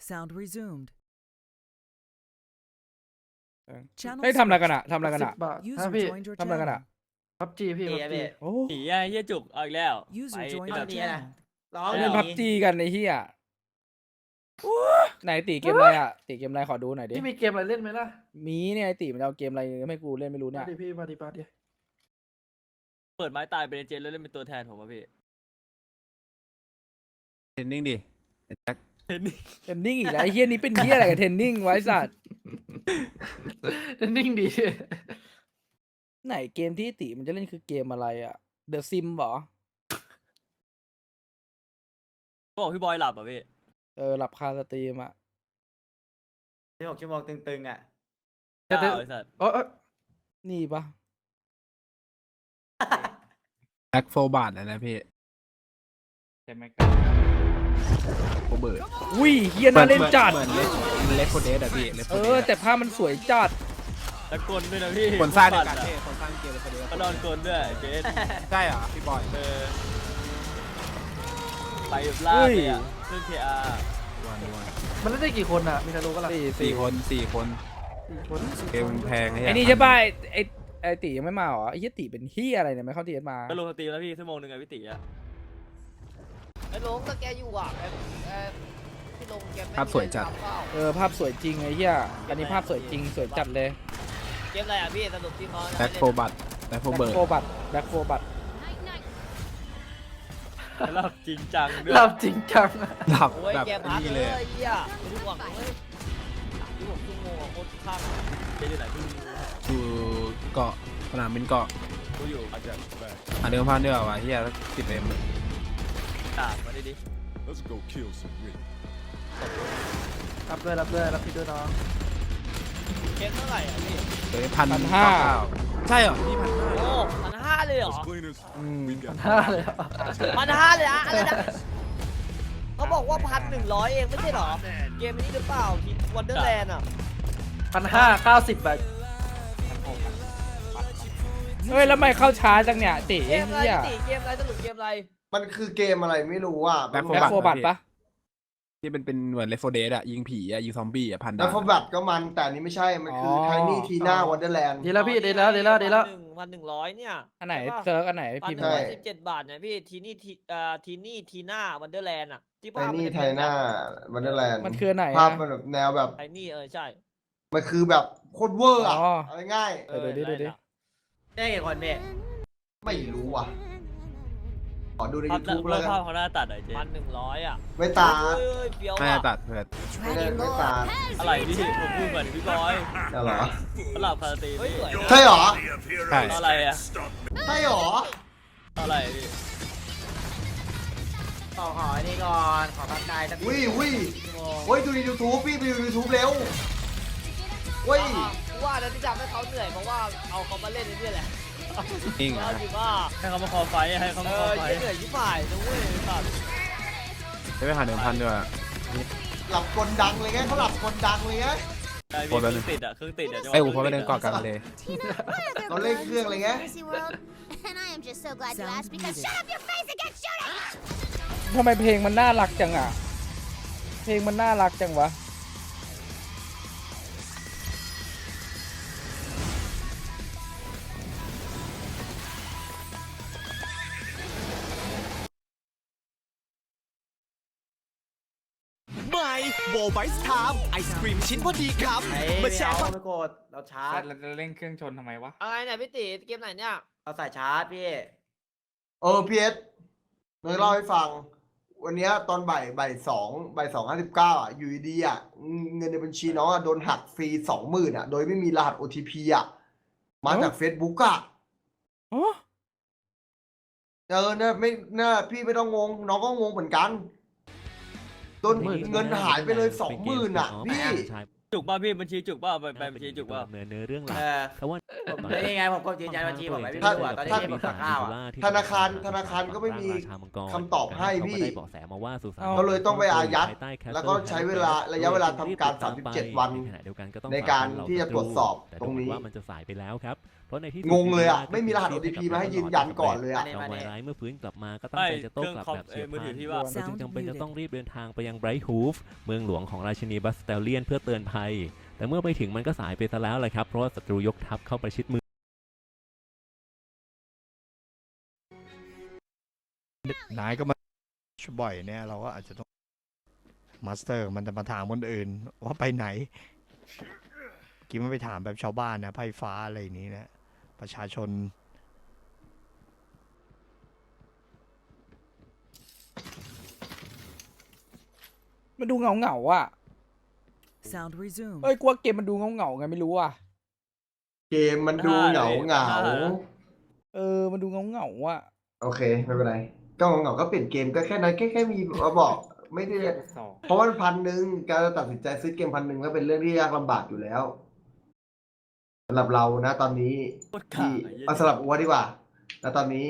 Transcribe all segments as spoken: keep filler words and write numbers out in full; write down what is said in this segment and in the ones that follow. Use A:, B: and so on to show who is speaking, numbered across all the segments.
A: Sound resumed.
B: เฮ้ยทำอะไรกันอะทำอะไรกันอะ
C: สิบบาท
A: User
C: ฮะพี่
A: joined your
B: ทำอะไรกันอะ
A: channel.
C: พับจีพี่
D: เฮี
C: พั
D: ย
C: บจี
D: พี่
B: โอ้
E: หนีอ่ะเฮียจุกเอาอีกแล้ว
A: User
E: ไป
A: joined
E: แบ
A: your
E: บ
D: เนี่ย
A: channel.
D: ร้อง
B: เล่นพับจีกันไอ้เหี้ยไหนตีเกมอะไรอะตีเกมอะไรขอดูหน่อยดิ
C: พี่มีเกมอะไรเล่นไหมล่ะ
B: มีเนี่ยไอตีมันเอาเกมอะไรให้กูเล่นไม่รู้เนี่
C: มาย ดิพี่มาดิมาดิ
E: เปิดไม้ตายเป็นเจนแล้วเล่นเป็นตัวแทนผมอ่ะพี่
F: เทรนนิ่งดิไอ้แจ็ค
E: เห็นนี่
B: เทนนิ่งอีกแล้วไอ้เหี้ยนี้เป็นเหี้ยอะไรกับเทนนิ่งไว้สัตว์
C: นิ่งดี
B: ไหนเกมที่ตีมันจะเล่นคือเกมอะไรอะเดอะซิมเหรอ
E: ก็บอกพี่บอยหลับอ่ะพี่
B: เออหลับคาสตรีมอะ
D: ที่หกชั่วโมงตึงๆอ่ะ
C: จะ
E: เจ้า
C: จะ
E: ไอ้สัตว์
C: โอ้ย
B: นี่ปะ
F: แจ็คโฟบาทนะพี่
G: ใช่ไหมครับ
F: โฟเบิร์ด
B: อุ้ยเฮียน่าเล่นจัด
F: เหมือนเลมันเลฟโฟเดสอะพี่ Left
B: เอ
F: four
B: อ
F: Dead
B: แต่ภาพมันสวยจัด
E: ตะกลด้วยนะพี่
F: คนสร้างเดียว
E: ปั่
F: กัน
E: อะ
F: พี่คนสร้างเกมเลฟโฟเดส
E: ก็นอนกลด้วยเจน
F: ใช่เหรอพี่บอย
E: เออไปแบบล่าเลยอ่ะเรื่องเคอาร์
F: วันวัน
C: มันเล่นได้กี่คนอ่ะ มีใครรู้ปะล่ะ
B: สี่
F: สี่คนสี่คน
C: สี่คน
F: เกมแพง
B: ไอ้นี่ใช่ป่ะไอ้ไอ้ไอ้ตียังไม่มาเหรอไอ้เหี้ยตีเป็นเฮียอะไรเนี่ยไม่เข้าตีมา
E: ก็ลงสตรีมแล้วพี่ชั่วโมงหนึ่งไงพี่ติอ่ะ
H: ไอ้ลงก็แกอยู่อ่ะแกแกพี่ลงแกไม่
F: ภาพสวยจัด
H: ทำเปล่า
B: เออภาพสวยจริงไอ้เหี้ยอันนี้ภาพสวยจริงสวยจัดเลย
H: เกมอะไรอ่ะพี่สรุปที่เขา
F: แบ็คโฟบัตแบ็คโฟ
B: แบ็ค
F: เบิร์ด
B: โฟบัตแบ็คโฟบัต
E: หลับจริงจังด้วย
C: หลับจริงจังอะ
F: หลับ
H: โอ้ย
F: แบบ
H: แกพัก
F: นี้
H: เล
F: เลย ย
H: ไอ้เหี้ยไม่รู้หวังเลยที่ผมชั่วโมงอะโคตรข้าง
E: เจนอยู่ไหนพี่
F: อยู่เกาะสนามบินเกาะ
E: กูอยู่อาจจะแบบ
F: อ่ะเดิมพันเดียวว่ะเฮียสิบเอ็ม
E: ด่ามาดิดิ
I: Let's go kill some Rick.
C: รับด้วยรับด้วยรับพี่ด้วยน้อง
H: เกมเท่าไหร่อ่ะพี่
F: เลยพันห้าใช่เหรอพี่พันห้า
H: โอ้พันห้าเลยเหรอ
I: Us cleaners,
B: อืม
I: we got
C: ห้าเลยอะ
H: พันห้าเลยอะอะไรนะเขาบอกว่าพันหนึ่งร้อยเองไม่ใช่เหรอเกมนี้หรือเปล่าที่วันเดอร์แลนด์อ่ะ
C: พันห้าเก้าสิบบาท
B: เฮ้ยแล้วไม่เข้าช้าจังเนี่ยตี
H: เกมอะไร
B: เหี้ย
H: พี่ติเกมอะไรสรุปเกมอะไร
D: มันคือเกมอะไรไม่รู้อ่ะ
F: แบ็คโฟ
B: แบ็ค
F: บัต
B: โฟบัตปะ
F: ที่เป็นเป็นเหมือนเลฟโฟเดสอะยิงผีอะยิงซอมบี้อะพัน
D: แล้ว
F: ดาว
D: ฟอร์บัตก็มันแต่อันนี้ไม่ใช่ มันคือไทนี่ทีน่าวันเดอร์แลนด์
C: ดีแล้วพี่ดีแล้วดีแล้วดีแล้ว
H: หนึ่งพันหนึ่งร้อยเนี่ย
B: อันไหน
H: ใช่ปะ
B: เซิร์ฟอันไหน
H: พัน
B: พิ
H: ห
B: มพ์
H: นึ่ง
B: มา
H: ร้อยสิบเจ็ดบาทเนี่ยพี่ทีนี่ทีเอ่อทีนี่ทีน่าวันเดอร์แลนด์อ่ะที่
D: ไท
H: ภาพ
D: นี่ไทน่าวันเดอร์แลนด์
B: มันคืออันไหน
D: ภาพ
B: อะ
D: มันแบบแนวแบบ
H: ไทนี่เออใช่
D: มันคือแบบโคตรเวอร์อ่ะ
B: อ๋อ
D: เอาง่าย
B: เออดูดิดูดิ
D: ได้กี่คนเนี่ยไม่รู้ว่ะ ขอดูใน
E: ภาพ
D: ยูทูบแล้วกั
E: ภาพ
D: น
E: เขาหน้าตัดหน่อยเจ
H: พั
E: น
H: นหนึ่งร้อยอ่ะ
D: ไม่ตา
H: เฮ้ยเฮ้ยเฟี้ยว
F: ไม่
H: อ่ะ
F: ตัดเพื่อน
D: ไม่ได้ไม่ตา
E: อะไรพี่ผมพูดเหมือนพี่บอย
D: จะเหรอ
E: เขาหลับคาสตรีม
H: เฮ้ย
E: พี่
H: สวยนะ
D: ใช่เหรอ
F: ใช่
E: อะไรอ่ะ
D: ใช่เหรอ
E: อะไรพี่
D: ขอขอนี่ก่อนขอพักกายสักวิวิเฮ้ยดูในยูทูบพี่ไปดูยูทูบเร็วเว้ย
H: อ่ะกูว่านะที่ทำให้เขาเหนื่อยเพราะว่าเอาเขามาเล่นนี่แหละ
F: จริงเหร
H: เอา
F: อ
H: จริงว่า
E: ให้เขามาคอไฟให้เขา
H: เอ
E: มาคอ
H: อ
E: ไฟ
H: เหนื่อยยิ่งฝ่ายนะเว้ยสัตว์
F: ได้ไปหาเดิมพันด้วย
D: หลับกลดังเลยไงเขาหลับกลดังเลยไง
E: ใช่พี่เครื่องติดอ่ะเครื่องติดอ่ะ
F: ไอ้ยอูพอไปเดินเกาะกลางเลย
D: เราเล่นเครื่องอะไรเงี้ย
J: And I am just so glad you
A: Sound
J: asked because
A: muted.
J: shut up your face and get shooting!
B: ทำไมเพลงมันน่ารักจังอ่ะ เพลงมันน่ารักจังวะ
K: ไม่โวไบส์ไทม์ไอศครีมชิ้นพอดีครับมาแชร์ความ
D: ไม่โกรธเราชาร์จ
G: เราจะเล่นเครื่องชนทำไมวะ
H: อะไรเนี่ยพี่ติเกมไหนเนี่ย
D: เราใส่ชาร์จพี่เออพีเอสเนยเล่าให้ฟัง วันเนี้ยตอนบ่ายบ่ายสองบ่ายสองห้าสิบเก้าอ่ะอยู่ดีๆอ่ะเงินในบัญชีน้องอ่ะโดนหักฟรีสองหมื่นอ่ะโดยไม่มีรหัส โอ ที พี อ่ะมาจาก Facebook อ่ะ
B: อ๋อ
D: เออเนี่ยไม่เนี่ยพี่ไม่ต้องงง น้องก็งงเหมือนกันโดนเงินหายไปเลยสองหมื่นอ่ะพี่
E: จุกป่ะพี่บัญชีจุกป่ะไปไปบัญชีจุกป่ะ
K: เนื้อเนื้อเรื่องหลั
A: เอก อ
K: แต่ว่า
A: ผมนี่ไงผมก็ยืนยันบัญชีผมไว้พี่
D: ถ้า
A: ดูอ่ะตอนนี้
D: ถ้า
A: ที่ผมสั่งข้าวอ่ะ
D: ธนาคารธนาคารก็ไม่มีคำตอบให้พี่
K: เขาก็ได้เบาะแสมาว่าสุสาน
D: เขาเลยต้องไปอายัด
K: ภใต้ Castle
D: แล้วก็ใช้เวลาระยะเวลาทำการสามสิบเจ็ดวัน
K: ใขณะเดียวกันก็ต้อง
D: ในการ
K: ฝ
D: ที่จะตรวจสอบ
K: แต่
D: ตรงนี้
K: ดูเหมือว่ามันจะสายไปแล้วครับเพราะในที่สุด
D: งงเลยอะ
K: ก็
D: ไม่มีรหัส โอ ที พี มาให้ยืนยันก่อนเลยอะ
K: จอมวายร้ายเมื่อฟื้นกลับมาก็ตั้ง
E: ไม่
K: ใจจะโต้
E: เครื่อง
K: กลับ
E: คอม
K: แบบ
E: เอ
K: เฉีย
E: อบ มือถือ
K: พลัน
E: ที่ว่า
K: เราจึงจำเป็นจะต้องรีบเดินทางไปยังไบรท์ฮูฟเมืองหลวงของราชินีบัสเตลเลียนเพื่อเตือนภัยแต่เมื่อไปถึงมันก็สายไปซะแล้วเลยครับเพราะว่าศัตรูยกทัพเข้าประชิดเมือง
I: นายก็มาบ่อยเนี่ยเราก็อาจจะต้องมาสเตอร์มันจะมาถามคนอื่นว่าไปไหนกินไม่ไปถามแบบชาวบ้านนะไพ่ฟ้าอะไรอย่างนี้นะประชาชน
B: มันดูเงาเงาๆอ่ะ
C: Sound resume
B: เอ้ยกลัวเกมมันดูเงาเงาๆไงไม่รู้อ่ะ
D: เกมมันดูเหงาเหงา
B: เออมันดูเงาเงาๆอ่ะ
D: โอเคไม่เป็นไรก็เหงาๆก็เปลี่ยนเกมก็แค่นั้นแค่แค่มีมาบอกไม่ได้
G: สอง
D: เพราะว่าพันหนึ่งการจะตัดสินใจซื้อเกมพันหนึ่งก็เป็นเรื่องที่ยากลำบากอยู่แล้วสำหรับเรานะตอนนี้
E: โคตร
D: ที่
E: ขาด
D: เอาสำหรับอัวดีกว่าแล้วตอนนี้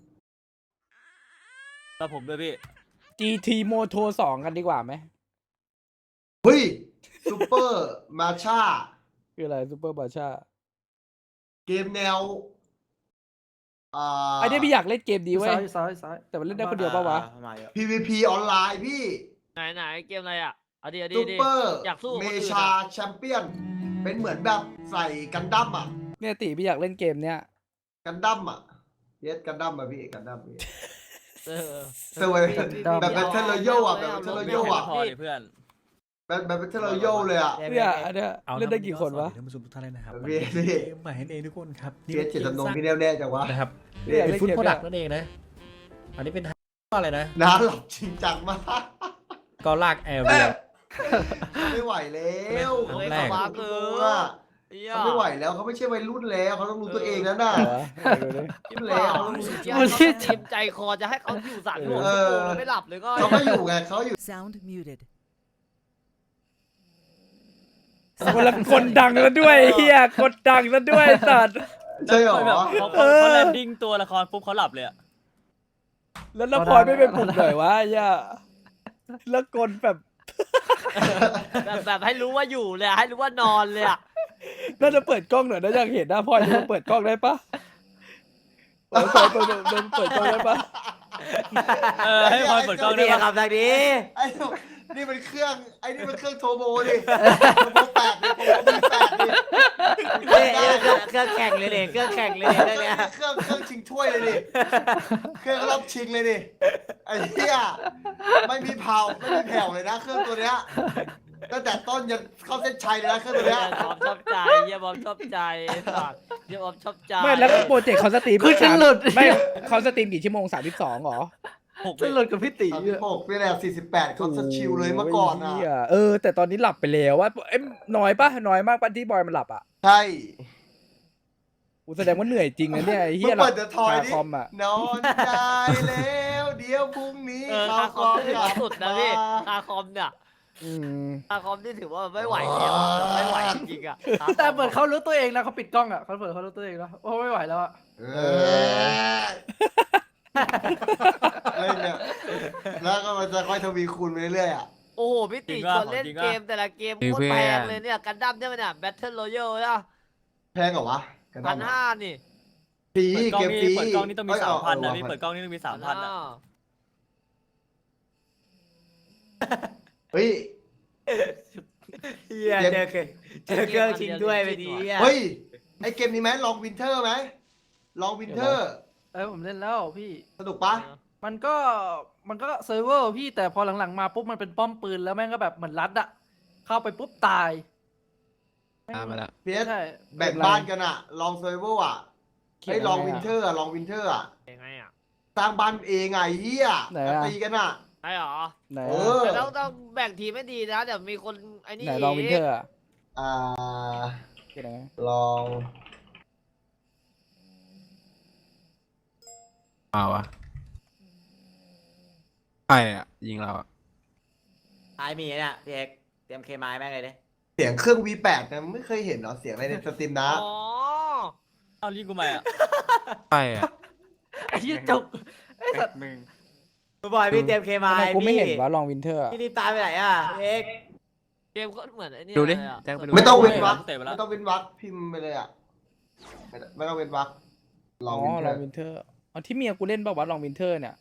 E: แล้วผมด้วยพี่
B: จี ที Moto สองกันดีกว่าไหม
D: เฮ้ยซูเปอร์มาชา
B: คืออะไรซูเปอร์บาชา
D: เกมแนวอ่า
B: ไอ้เนี่ยพี่อยากเล่นเกมดีเว้ย
C: ซ้ายซ้ายซ้าย
B: แต่มันเล่นได้คนเดียวปะวะ
A: มาเยอะ
D: พี วี พี ออนไลน์พี่
H: ไหนไหนเกมอะไรอ่ะเอาดีเอาดี
D: ซู
H: ดี
D: เปอร์
H: อยากสู้กับ
D: เม
H: คนอื่น
D: ชา
H: อะ
D: แชมเปี้ยน เป็นเหมือนแบบใส่กันดั้มอ่ะ
B: เนี่ยตีพี่อยากเล่นเกมเนี้ย
D: กันดั้มอ่ะเยสกันดั้มอ่ะพี่กันดั้มพี่
H: เออ
D: เซอร์ไวแบบแบบเทเลโยอ่ะแบบเทเลโยอ่ะ
E: พอดิเพื่อน
D: แบบแบบเทเลโยเลยอ่ะ
B: เนี่ยอันเนี้ยเล่นได้กี่คนวะ
L: ท่านผู้ชมทุกท่านเลยนะครับ
D: พี่พี่
L: เกมใหม่นั่นเองทุกคนครับ
D: เพียเจตจำนงพี่แน่วแน่จังวะ
L: นะครับ
B: พี่อยาก
L: เป็น
B: เล่น
L: ฟุต
B: เกม
L: โปร
B: เนี่
L: ดั
B: ย
L: กต์นั่นเองนะ อันนี้เป็นอะไรนะ
D: น้าหลับจริงจังมาก
L: ก็ลากแอร์เรีย
D: ไม่ไหวแล้ว
H: เฮ้ย
L: แร
H: เขา
L: ก
H: บ้าเกิ
D: ว่าน
H: เหี้ย
D: เขาไม่ไหวแล้วเขาไม่ใช่วัยรุ่นแล้วเขาต้องรู้ตัวเองแล้วน่ะ
B: เหรอไปดูดิ
D: รุ่นแล้วเขาต้องรู้
H: ที่ให้เขาเต็มใจคอจะให้เขาอยู่สามชั่วโมง
D: เออ
H: แล้วไม่หลับเลยก็
D: เขาไม่อยู่ไงเขาอยู่
C: Sound muted
B: คนละคนดังแล้วด้วยเฮียกดดังแล้วด้วยสัตว์
D: ใช่หรอ
E: แบบเขา
B: เอ
E: เขา
B: อ
E: แลนดิ้งตัวละครปุ๊บเขาหลับเลยอะ
B: แล้วละพลอยไม่ไปปลุกหน่อยวะไอ้เหี้ย่าแล้วกดแบบ
H: แบบแบบให้รู้ว่าอยู่เลยอะให้รู้ว่านอนเลยอ่ะ
B: น่าจะเปิดกล้องหน่อยนะอยากเห็นหน้าพลอยจะเปิดกล้องได้ปะเปิดเปิดเปิดเปิดเปิดกล้องได้ปะ
E: เออให้พลอยเปิดกล้องได้
A: นี่
E: ปะ
A: ครับทางนี้
D: ไอ้นี่มันเครื่องไอ้นี่มันเครื่องโทรโบดิโทรโบแปดดิโทรโบมีแปดดิ
A: นี่เครื่องเครื่องแข่งเลยเนี่ยเครื่องแข่งเลยเนี่ยเรื่องเนี้ย
D: เครื่องเครื่องชิงถ้วยเลยดิเครื่องรอบชิงเลยดิไอ้เหี้ยไม่มีเผาไม่มีแผ่วเลยนะเครื่องตัวเนี้ยตั้งแต่ต้นยันเข้าเส้นชัยเลยนะเครื่องตัว
H: เฮี
D: เนี้
H: ย
D: ย
H: บอมชอบใจเฮียบอมชอบใจไอ้สัตว์เฮียบอมชอบใจ
B: ไม่แล้วโปรเจกต์เขาสตรีม
C: คือจะหลุด
B: ไม่เขาสตรีมกี่ชั่วโมงสามสิบสองหรอ
E: หก
C: จะหลุดกับพี่ตี
D: สามสิบหกนี่แหละสี่สิบแปดเขาสชิลเลยเมื่อก่อนอ่ะ
B: โยเหี้ยเออ แต่ตอนนี้หลับไปแล้วว่าเอ้ยน้อยปะน้อยมากปะที่บอยมันหลับอ่ะ
D: ใช่
B: กูแสดงว่าเหนื่อยจริงนะเนี่ยไอ้
D: เมื่
B: เฮี
D: อย
B: หลั
D: เปิ
B: บ
D: ดเดอะทอย
B: คา
D: ดิ
B: คอมอ่ะ
D: นอนใจแล้วเดี๋ยวพรุ่งนี้
H: เออ
D: เขา
H: คาคอมถือว่าสุดนะพี่
D: มา
H: คาคอมเนี่ย
B: อืม
H: คาคอมที่ถือว่าไม่ไหวแล้วอะไม่ไหวจริงๆอ่ะ
C: แต่เหมือนเขารู้ตัวเองนะเขาปิดกล้องอ่ะเขาเปิดเขารู้ตัวเองแล้วโอ้ไม่ไหวแล้วอ่ะ
D: เออเล่นเนี่ยแล้วก็มันจะค่อยทวีคูณไปเรื่อยๆอ่ะ
H: โอ้โหพี่ตีชวนเล่นเกมแต่ละเกมโคตรแพงเลยเนี่ยกันดั้มเนี่ยมันเนี่ย Battle Royale อ่ะ
D: แพงเหรอวะกระ
H: พั
D: ดาน น
H: ห้านี่
D: ฟรี
E: เปิดกล้อง
D: เกม
E: นี่
D: ฟรี
E: เปิดกล้องนี่ต้องมี
D: เย
E: สามพัน
D: เอ
E: นะ
D: เอ
E: พี่เปิดกล้องนี่ต้องมีสามพันอะ
D: เฮ้ย
A: เฮียเจอเคยเจอเครื่องชิงด้วยไปดีอ่ะ
D: เฮ้ย ไอเกมนี้ไหมลองวินเทอร์ไหมลองวินเทอร์
C: เออผมเล่นแล้วพี่
D: สนุกปะ
C: มันก็มันก็เซิร์ฟเวอร์พี่แต่พอหลังๆมาปุ๊บมันเป็นป้อมปืนแล้วแม่งก็แบบเหมือนรัดอะเข้าไปปุ๊บตาย
F: ตามมาแล้ว
D: เพียส
C: ใช่
D: แบ่งบ้านกันอะลองเซอร์ไวเวอร์อะ
B: เขียน
D: ให้ลอง
B: ไงอะ
D: วินเทอร์อะลองวินเทอร์อะ
H: ยังไงอ่ะ
D: สร้างบ้านเองไงเฮีย
B: ไหนอะ
D: ตีกันอะ
H: ใช่หรอ
B: ไหน
D: เอ
B: อะ
D: อ
H: แต่ต้องต้องแบ่งทีมไม่ดีนะเดี๋ยวมีคนไอ้นี่
B: ไหนลองวินเทอร์อะ
D: อ่า
B: เขียนยังไง
D: ลอง
F: เอาอะใช่อะยิงเราอะ
A: ท้ายมีเนี่ยพี่เอกเตรียมเคมายแม่งเลยดิ
D: เสียงเครื่อง วี แปด นะไม่เคยเห็นเหรอเสียงอะไรในสตรีมนะ
H: อ๋อ
E: เอาลิงก์กูมาอ่ะ
F: ใช่อะ
C: ไอ้เหี้ยจุกไอ้สัตว์
G: มึง
A: บอยพี่เตรียมเคมา
B: ทำไม
A: ให้
B: กูไม่
A: พี่
B: เห็นวะลองวินเทอร์
A: พี่รีบตามไปไหนอ่ะเอก
H: เกมก็เหมือนไอ้นี่
F: ดูดิ
H: เลยอะ
F: แจ้งไปดู
D: ไม่ต้องเว้นวรรค
E: เตะไปแล้ว
D: ไม่ต้องเว้นวรรคพิมพ์ไปเลยอ่ะไม่ต้องไม่ต้องเว้นวรรคล
B: อ๋
D: อ
B: อง
D: วินเท
B: ล
D: อ
B: อง
D: ร์
B: วินเทอร์เอาที่เมียกูเล่นป่าวะลองวินเทอร์เนี่ย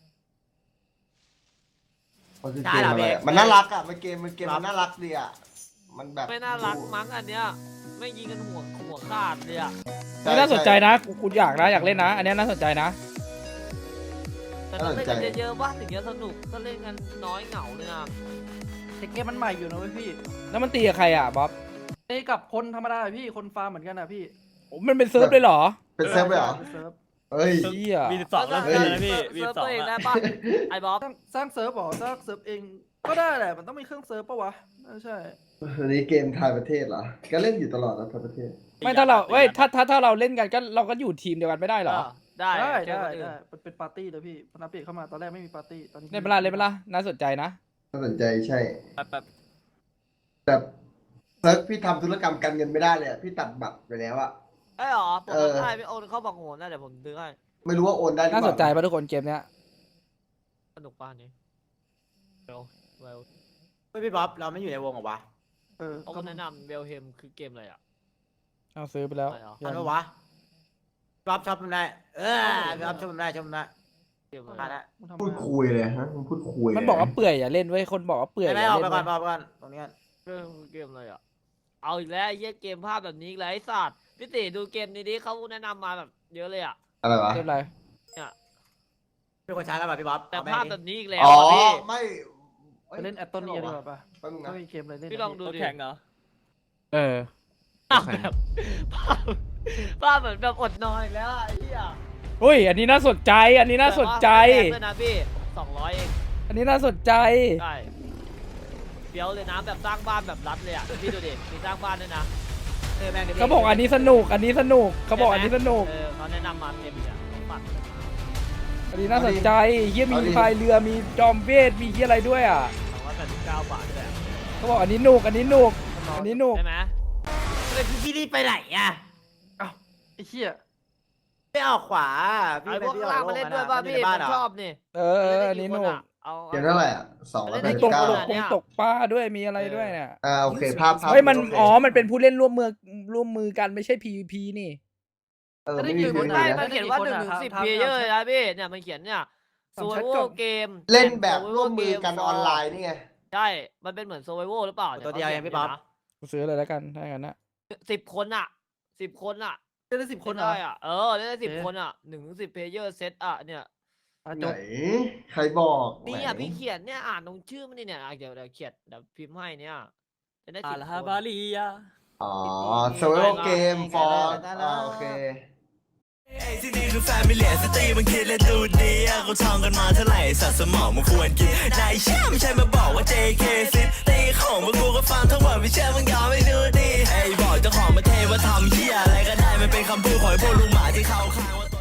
D: มันคือเกมอะไรอะมันน่ารักอ่ะมันเกมมันเกมมันน่ารักดีอ่ะมันแบบ
H: ไม่น่ารักมั้งอันเนี้ยไม่ยิงกันหัวหัวขาดเลยอะ
D: ช่
B: นี่น่าสนใจ
D: ช่
B: นะกูกูอยากนะอยากเล่นนะ อันเนี้ยน่าสนใจนะ
H: แต่ต้องเล่นกัน
D: น่าสนใจ
H: เยอะๆว่าถึงจะสนุกถ้าเล่นกันน้อยเหงาเลยนะ
C: แต่เกมมันใหม่อยู่นะเว้ยพี่
B: แล้วมันตีกับใครอ่ะบ๊อบ
C: เอ้ยกับคนธรรมดาพี่คนฟาร์มเหมือนกันนะพี่
B: โอ้มันเป็นเซิร์ฟเลยเหรอ
D: เป็นเซิร์ฟเลยเหรอ
C: เซิร์ฟ
D: เอ้ย
B: เหี้ย
E: มีสิบสองแล้ว
D: เฮ้ย
E: นะพี่มี
H: เซิ
E: สิ บสอง
H: ร์ฟตัวเองได้
E: อะ
H: ปะไอ้บ๊อบ
C: สร้างสร้างเซิร์ฟเหรอสร้างเซิร์ฟเองก็ได้แหละมันต้องมีเครื่องเซิร์ฟปะวะน่าใช่
D: อันนี้เกมทายประเทศเหรอก็เล่นอยู่ตลอดนะทายประเทศ
B: ไม่ถ้าเราเว้ยถ้าถ้าถ้าเราเล่นกันก็เราก็อยู่ทีมเดียวกันไม่ได้เหรอ
H: ได้
C: ได้
H: เจอ
C: ได้
H: คนอื่น
C: ได้มันเป็นปาร์ตี้เลยพี่พอนับเปลี่ยนเข้ามาตอนแรกไม่มีปาร์ตี้ตอนนี้
B: เล่นเปล่าเล่นเปล่าน่าสนใจนะ
D: น่าสนใจใช่
E: แบบแบบ
D: แบบเซิร์ฟพี่ทำธุรกรรมการเงินไม่ได้เลยอะพี่ตัดบัตรไปแล้วอะ
H: ไอ้หรอผม
D: เออ
H: ทำได้ไม่โอนเข้าบังโหนนะเดี๋ยวผมซื้อให้
D: ไม่รู้ว่าโอนได้หรือ
B: น่า
D: เป
B: ส
D: ล่าน
B: ใจป่ะทุกคนเกมเนี้ย
H: สนุกป่ะอันนี้เวลเวล
A: เฮ้ยพี่บ๊อบเราไม่อยู่ในวงเหรอวะ
C: เออ
H: เขาก็แนะนำเวลเฮมคือเกมอะไรอ่ะ
B: เอาซื้อไปแล้ว
H: อะไรเหรอ
A: ทันปะวะบ๊อบชอบมันได้เออพี่บ๊อบชอบมันได้ชอบมันได้
H: เกมอะไร
A: มาแล้ว
C: มันทำ
D: พูด
C: มา
D: คุยเลยฮะมันพูดคุย
B: มันบอกว่าเปื่อยอย่าเล่นเว้ยคนบอกว่าเปื่อย
A: ไม่
B: อ
A: ไม่
B: ย่า
A: ออก
B: เล่น
A: ไปก่อน
B: เว้ย
A: ออกไปก่อนตรงนี้ก่อน
H: เออเกมอะไรอ่ะเอาอีกแล้วไอ้เหี้ยเกมภาพแบบนี้อีกแล้วไอ้สัตว์พี่ติดูเกมนี้ดิเขาแนะนำมาแบบเยอะเลยอ่ะ
D: อะไรวะ
B: เล่นอะไร
A: เป็นคนช้ากันป่ะพี่บ๊อบ
H: แต่
A: เอไป
H: ภาพ
A: ดิ
H: แบบนี้อีกแล้ว
D: อ๋อ
H: อ่ะพี่
D: ไม่
C: ไปเล่นแอตตันเนียดีกว่าปะ
D: แป๊บนึง
C: ถ้า
D: นะ
C: มีเกมอะไรเล่น
H: พี่ลองดู
E: ตัว
H: ดิ
E: แข่งเหรอ
F: เออ
H: ภาพแบบภาพภาพเหมือนแบบอดนอนอีกแล้วอ่ะไอ้เหี้ย
B: อุ้ยอันนี้น่าสนใจ อันนี้น่าสนใจ
H: แต่ว่าไม่แพงด้วยนะพี่สองร้อยเอง
B: อันนี้น่าสนใจ
H: ใช่เฟี้ยวเลยนะแบบสร้างบ้านแบบรัดเลยอ่ะพี่ดูดิมีสร้างบ้านด้วยนะ
A: เออแม่งดี๋ยวพี่
B: เขาบอกอันนี้สนุก อันนี้สนุก เขาบอกอันนี้สนุก
H: เออเขาแนะนำมาเต็มเลยอ่ะเขาปัด
B: อันนี้น่าสนใจเฮียมีพายเรือ มีจอมเวท มีเฮียอะไรด้วยอ่ะ
H: สองร้อยแปดสิบเก้าบาทด้วยอะ
B: เขาบอกอันนี้หนุก อันนี้หนุก อันนี้หนุก
H: ใช่ไหม
A: เฮ้ยพี่พี่รีบไปไหนอ่ะ
C: ไอ้เหี้ย
A: ไม่ออกขวาพี่
H: ไอ้
A: ไป
H: พวก
A: พี่อ
H: ล่า
A: อง ก
H: มาเล่นด้วยป่ะ
A: มั
H: พี่
A: อยู่ใน
H: ผ
A: บ้าน
H: ม
A: เหรอ
H: ชอบนี่
B: เออเอออันนี้หนุก
H: เอา
D: เกมเท่าไหร่อ่ะสองร้อยแป
B: มี
D: ด
B: ต
D: สิ
B: ก
D: บเก้า
B: ตกคงตกปลาด้วย มีอะไรด้วยเนี่ย
D: อ่าโอเคภาพภาพ
B: เฮ้ยมัน
D: โค
B: อ๋อ มันเป็นผู้เล่นร่วมมือร่วมมือกันไม่ใช่ พี วี พี นี่
D: เออไม่มี
C: ไม่
D: พื้น
C: ได้
D: เลย
H: มั
D: นะ
H: นเขียนว่าหนึ่งถึงสิบเพลเยอร์เลยนะพี่เนี่ยมันเขียนเนี่ยโซเวอร์เกม
D: เล่นแบบร่วมมือกันออนไลน์นี่ไง
H: ใช่ มันเป็นเหมือนโซเวอร์หรือเปล่า
A: ตัวเดียวเองพี่บ๊อบ
B: กูซื้อเลยแล้วกันถ้าอย่างนั้นนะ
H: สิบคนอ่ะสิบคนอ่ะ
C: เล่นได้สิบคนเหรอ
H: ได้อ่ะเออเล่นได้สิบ
C: เอ๊ะ
H: คนอ่ะหนึ่งถึงสิบเพลเยอร์เซตอ่ะเนี่ย
C: อ่ะ
D: ไห
C: จ
D: น
C: บ
D: ใครบอก
H: นี่
D: ไห
H: อ่ะพี่เขียนเนี่ยอ่านตรงชื่อมันนี่เนี่ยอ่ะเดี๋ยวเดี๋ยวเขียนเดี๋ยวพิมพ์ให้เนี่ยจะได้
E: อา
H: สิบ
E: ลา
H: ค
E: ฮาน บาลียา
D: อ๋อ survival game for อ่าโอเค
M: ที่นี่คือแฟมิเลียสตรีมันคิดและดูดีอะเขาท่องกันมาเท่าไหร่สัตว์สมองมันควรกินนายเชื่อไม่ใช่มาบอกว่า เจ เค ซิตีของพวกกูก็ฟังทั้งหมดไม่เชื่อมึงยอมไม่ดูดีไอ้บอกเจ้าของประเทศว่าทำเหี้ยอะไรก็ได้มันเป็นคำพูดของไอ้พวกลุงหมาที่เข้าข้างว่า